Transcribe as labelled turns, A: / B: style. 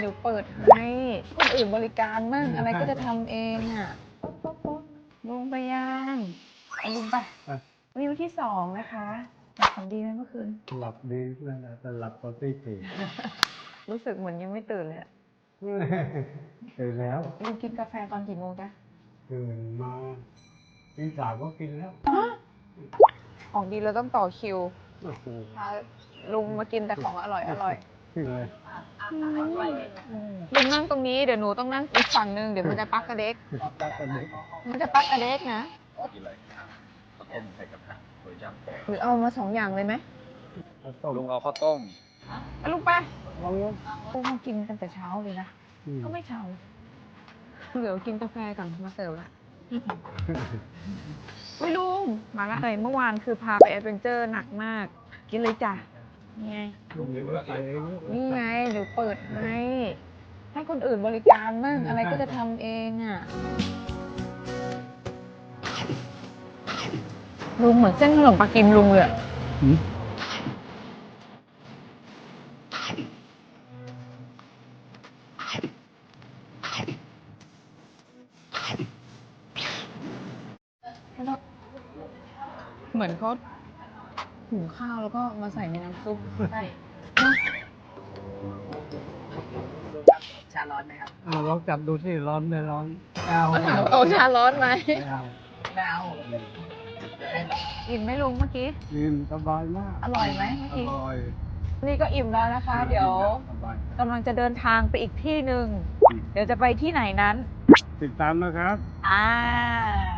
A: เดี๋ยวเปิดให้คนอื่นบริการมั่งอะไรก็จะทำเองอ่ะลุงไปยังลุงไปวิวที่2นะคะฝันดีไหมเมื่อคืน
B: หลับดีเพื่อนแต่หลับตอนตีสี่
A: รู้สึกเหมือนยังไม่ตื่นเลย
B: ตื่นแล้ว
A: ลุงกินกาแฟตอนกี่โมงจ๊ะ
B: ตื่นมาตีสามก็กินแล้ว
A: ของดีเราต้องต่อคิว
B: โอ้โห
A: พาลุงมากินแต่ของอร่อยอร่อย
B: ขึ้นเลย
A: ลุงนั่งตรงนี้เดี๋ยวหนูต้องนั่งอีกฝั่งนึงเดี๋ยวมันจะปักกระเด็ก
B: ตักกันเลย
A: มันจะปักกระเด็กนะ
C: กินอะไรข้าวต้มไข่กระทะโดยจับ
A: หรือเอามา2 อย่างเลยไหม
B: ต้ม
C: ลุงเอาข้าวต้ม
A: ไปลุงไป
B: ลองยัง
A: ลุงมากินกันแต่เช้าเลยนะก็ไม่เช้าเดี๋ยวกินกาแฟก่อนมาเสิร์ฟละไม่ลุงมาละเลยเมื่อวานคือพาไปแอดเวนเจอร์หนักมากกินเลยจ้ะนี่ไง
B: ลุงใส่เอง
A: นี่ไงเดี๋ยวเปิดให้คนอื่นบริการมั่งอะไรก็จะทำเองอ่ะลุงเหมือนเส้นขนมปังกิมลุงเลยอะเหมือนเขาหุงข้าวแล้วก็มาใส่ในน้ำซุปใช่ชาร้อนไหมครับ
B: ลองจับดูสิร้อนไม่ร้อน
A: เอาชาร้อนไหม
B: เอา
A: ไม่เอาอิ่มไหมลุงเมื่อกี้
B: กินสบายมาก
A: อร่อยไหมเมื่อ
B: อ
A: กี้
B: ร่อย
A: นี่ก็อิ่มแล้วนะคะ เดี๋ยว
B: สบาย
A: กำลังจะเดินทางไปอีกที่หนึ่งเดี๋ยวจะไปที่ไหนนั้น
B: ติดตามนะครับ
A: อ่า